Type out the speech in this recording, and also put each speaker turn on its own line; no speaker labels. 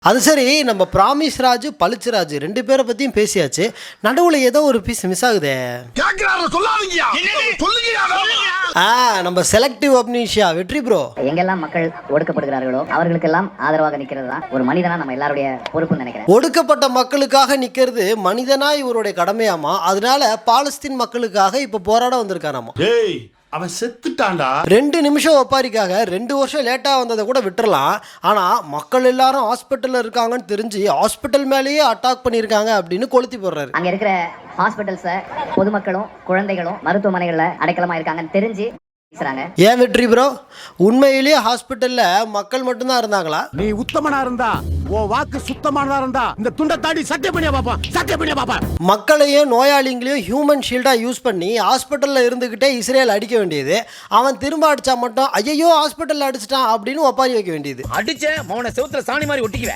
அது சரி, நம்ம பிராமிஸ் ராஜ், பளிச்சு ராஜ் 2 பேரை பத்தியும் பேசியாச்சு. நடுவுல ஏதோ ஒரு பீஸ் மிஸ் ஆகுதே. நம்ம செலக்டிவ் அம்னீஷியா வெற்றி ப்ரோ.
எங்கெல்லாம் மக்கள் ஒடுக்கப்படுகிறார்களோ அவர்களுக்கெல்லாம் ஆதரவாக நிக்கிறது தான் ஒரு மனிதனா நம்ம எல்லாருடைய பொறுப்புன்னு நினைக்கிறேன்.
ஒடுக்கப்பட்ட மக்களுக்காக நிக்கிறது மனிதனா இவருடைய கடமையாமா. அதனால பாலஸ்தீன் மக்களுக்காக இப்ப போராட வந்திருக்காராமா.
அவன் செத்துட்டான்டா.
2 நிமிஷம் ஒப்பாரிக்காக 2 வருஷம் லேட்டா வந்ததை கூட விட்டுறலாம். ஆனா மக்கள் எல்லாரும் ஹாஸ்பிட்டல்ல இருக்காங்கன்னு தெரிஞ்சு ஹாஸ்பிட்டல் மேலேயே அட்டாக் பண்ணிருக்காங்க அப்படின்னு கொளுத்தி போடுறாரு.
அங்க இருக்கிற ஹாஸ்பிட்டல்ஸ்ல பொதுமக்களும் குழந்தைகளும் மருத்துவமனைகள்ல அடைக்கலமா இருக்காங்கன்னு தெரிஞ்சு பேசுறாங்க.
ஏன் வெற்றி ப்ரோ, உண்மையிலேயே ஹாஸ்பிட்டல்ல மக்கள் மட்டும்தான் இருந்தாங்களா?
நீ உத்தமனா இருந்தா ஓ வாக்கு சுத்தமானதா இருந்தா இந்த துண்டை தாண்டி சத்தியம் பண்ணியா பாப்பா.
மக்களையும் நோயாளிங்களையும் ஹியூமன் ஷீல்டா யூஸ் பண்ணி ஹாஸ்பிட்டல்ல இருந்துகிட்டே இஸ்ரேல் அடிக்க வேண்டியது. அவன் திரும்ப அடிச்சா மட்டும் ஐயோ ஹாஸ்பிட்டல்ல அடிச்சிட்டான் அப்படின்னு ஒப்பாரி வைக்க வேண்டியது.
அடிச்ச மௌன செவுத்துல சாணி மாதிரி ஒட்டிக்குவேன்.